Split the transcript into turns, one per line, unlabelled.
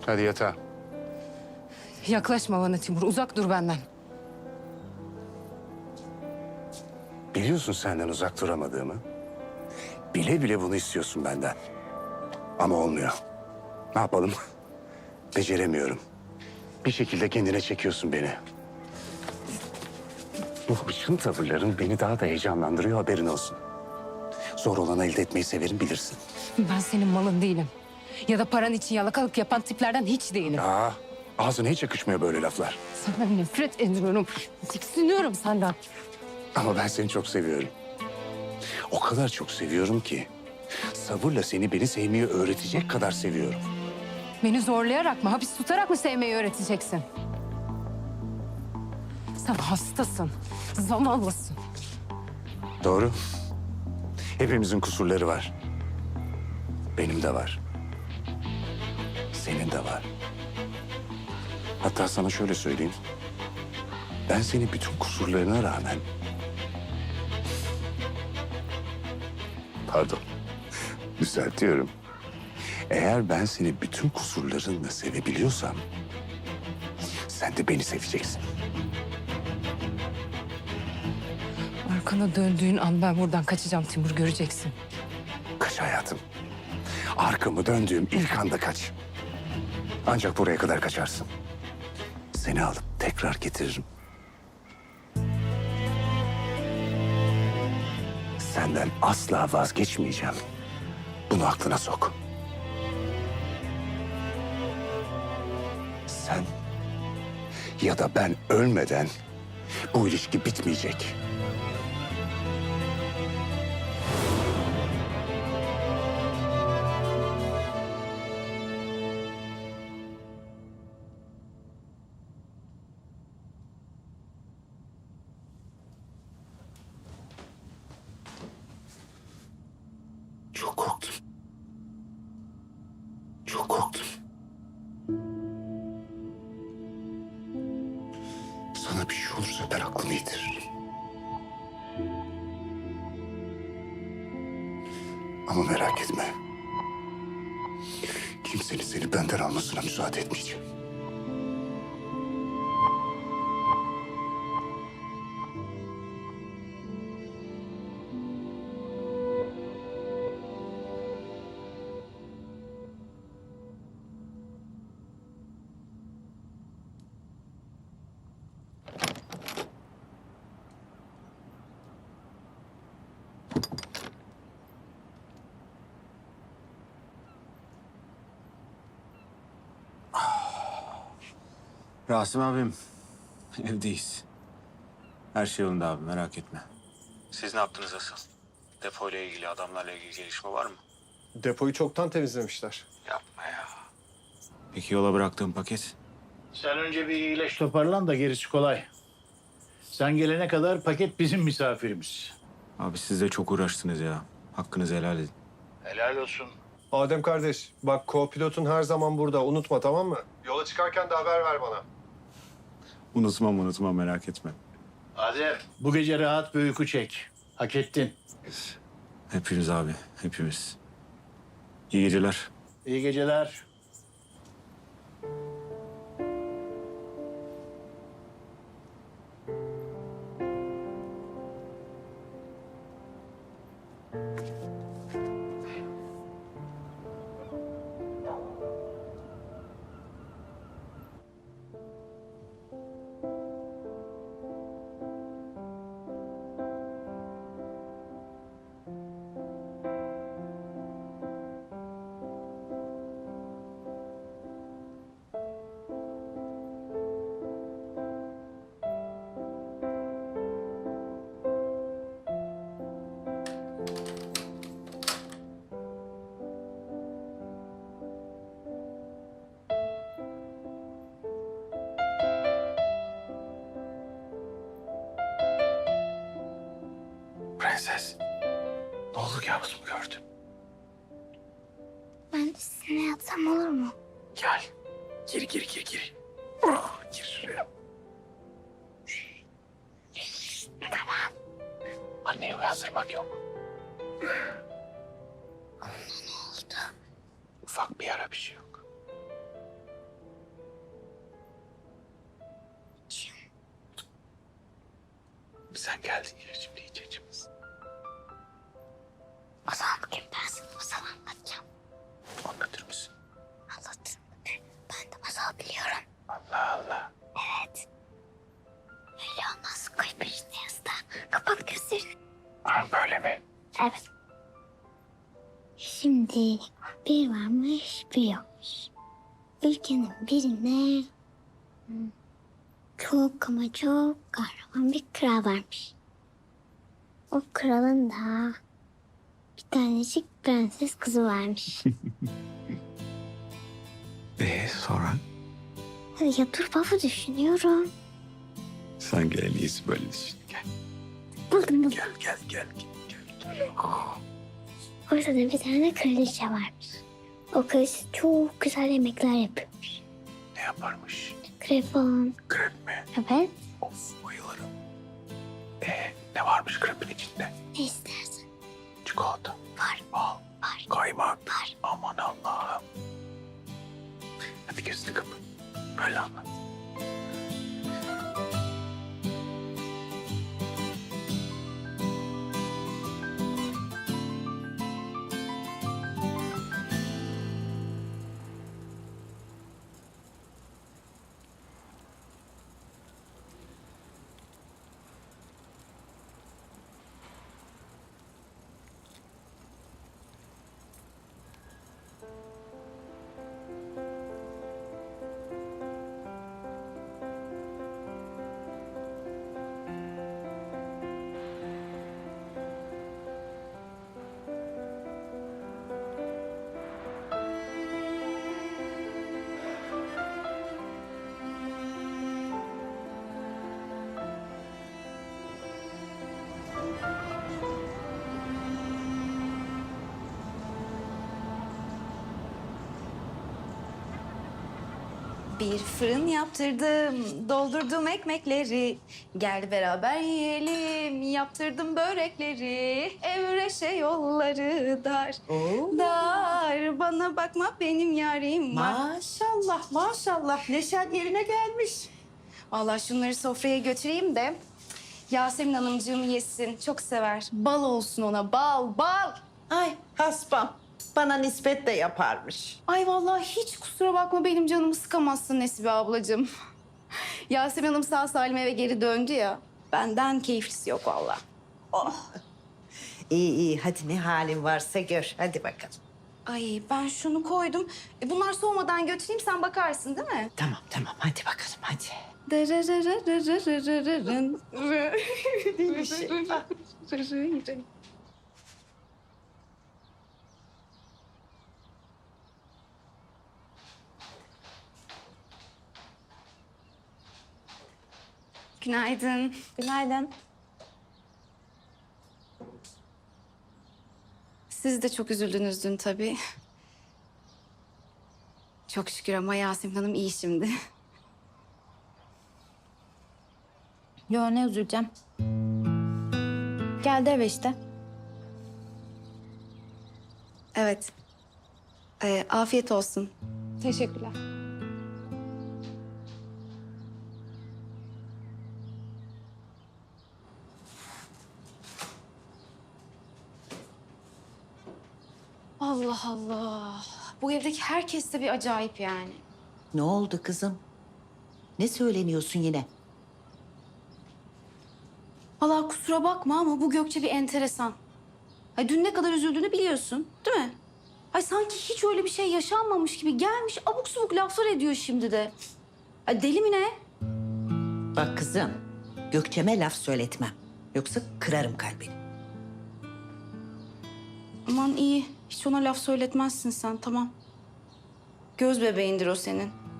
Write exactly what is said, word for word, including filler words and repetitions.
Hadi yatağa.
Yaklaşma bana Timur. Uzak dur benden.
Biliyorsun senden uzak duramadığımı. Bile bile bunu istiyorsun benden. Ama olmuyor. Ne yapalım? Beceremiyorum. Bir şekilde kendine çekiyorsun beni. Bu hırçın tavırların beni daha da heyecanlandırıyor, haberin olsun. Zor olanı elde etmeyi severim, bilirsin.
Ben senin malın değilim. Ya da paran için yalakalık yapan tiplerden hiç değilim.
Aa, ağzına hiç yakışmıyor böyle laflar.
Senden nefret ediyorum. Tiksiniyorum senden.
Ama ben seni çok seviyorum. O kadar çok seviyorum ki... sabırla seni beni sevmeyi öğretecek kadar seviyorum.
Beni zorlayarak mı, hapis tutarak mı sevmeyi öğreteceksin? Sen hastasın, zavallısın.
Doğru. Hepimizin kusurları var. Benim de var. Senin de var. Hatta sana şöyle söyleyeyim. Ben seni bütün kusurlarına rağmen... Pardon. Düzeltiyorum. Eğer ben seni bütün kusurlarınla sevebiliyorsam... sen de beni seveceksin.
Arkana döndüğün an ben buradan kaçacağım Timur, göreceksin.
Kaç hayatım. Arkamı döndüğüm ilk anda kaç. Ancak buraya kadar kaçarsın. Seni alıp tekrar getiririm. Senden asla vazgeçmeyeceğim. Bunu aklına sok. Sen ya da ben ölmeden bu ilişki bitmeyecek. Çok korktum. Çok korktum. Sana bir şey olursa ben aklımı yitiririm. Ama merak etme. Kimsenin seni benden almasına müsaade etmeyeceğim.
Rasim abim, evdeyiz. Her şey yolunda abi, merak etme. Siz ne yaptınız asıl? Depoyla ilgili, adamlarla ilgili gelişme var mı?
Depoyu çoktan temizlemişler.
Yapma ya. Peki yola bıraktığım paket?
Sen önce bir iyileş toparlan da gerisi kolay. Sen gelene kadar paket bizim misafirimiz.
Abi siz de çok uğraştınız ya. Hakkınızı helal edin.
Helal olsun.
Adem kardeş, bak co-pilotun her zaman burada. Unutma, tamam mı? Yola çıkarken de haber ver bana.
Unutmam unutmam, merak etme.
Adem, bu gece rahat bir uyku çek. Hak ettin.
Hepimiz abi, hepimiz. İyi geceler.
İyi geceler.
Prenses. Ne oldu, kabus mu gördün?
Ben de sizinle yatsam olur mu?
Gel. Gir, gir, gir, gir. Oh, gir şuraya.
Tamam.
Anneyi uyandırmak yok.
Ne oldu?
Ufak bir yara, bir şey yok.
Sen geldin ya şimdi iç içimiz.
O zaman bugün ben sana masal anlatacağım.
Anlatır mısın?
Anlatırım. Ben de masal biliyorum.
Allah Allah.
Evet. Öyle olmaz. Koy peşine yastığa. Kapat gözlerini.
Ha, böyle mi?
Evet. Şimdi bir varmış bir yokmuş. Ülkenin birine hmm, çok ama çok kahraman bir kral varmış. O kralın da bir tanecik prenses kızı varmış.
Ee sonra?
Ya dur baba düşünüyorum.
Sen gel en iyisi böyle düşün. Gel.
Buldum buldum.
Gel gel gel. gel.
Orada da bir tane kraliçe varmış. O kraliçe çok güzel yemekler yapıyormuş.
Ne yaparmış?
Krepon.
Krep mi?
Evet.
Of bayılırım. Ee ne varmış krepin içinde?
Ne istersen.
Çikolata.
Var.
Bal.
Var.
Kaymak.
Var.
Aman Allah'ım. Hadi gözünü kapat. Böyle anlat.
Bir fırın yaptırdım, doldurdum ekmekleri. Gel beraber yiyelim, yaptırdım börekleri. Evreşe yolları dar, dar. Bana bakma benim yarim var.
Maşallah maşallah neşen yerine gelmiş.
Vallahi şunları sofraya götüreyim de Yasemin Hanımcığım yesin. Çok sever. Bal olsun ona, bal, bal.
Ay haspam bana nispet de yaparmış.
Ay vallahi hiç kusura bakma benim canımı sıkamazsın Nesibe ablacığım. Yasemin Hanım sağ salim eve geri döndü ya. Benden keyiflisi yok vallahi.
İyi iyi hadi ne halin varsa gör hadi bakalım.
Ay ben şunu koydum. E, bunlar soğumadan götüreyim sen bakarsın değil mi?
Tamam tamam hadi bakalım hadi.
Günaydın. Günaydın. Siz de çok üzüldünüz dün tabii. Çok şükür ama Yasemin Hanım iyi şimdi.
Yo ne üzüleceğim. Geldi eve işte.
Evet. Ee, afiyet olsun.
Teşekkürler.
Allah Allah. Bu evdeki herkes de bir acayip yani.
Ne oldu kızım? Ne söyleniyorsun yine?
Vallahi kusura bakma ama bu Gökçe bir enteresan. Ay dün ne kadar üzüldüğünü biliyorsun, değil mi? Ay sanki hiç öyle bir şey yaşanmamış gibi gelmiş abuk subuk laflar ediyor şimdi de. Ay deli mi ne?
Bak kızım Gökçe'me laf söyletmem. Yoksa kırarım kalbini.
Aman iyi. Hiç ona laf söyletmezsin sen tamam. Göz bebeğindir o senin.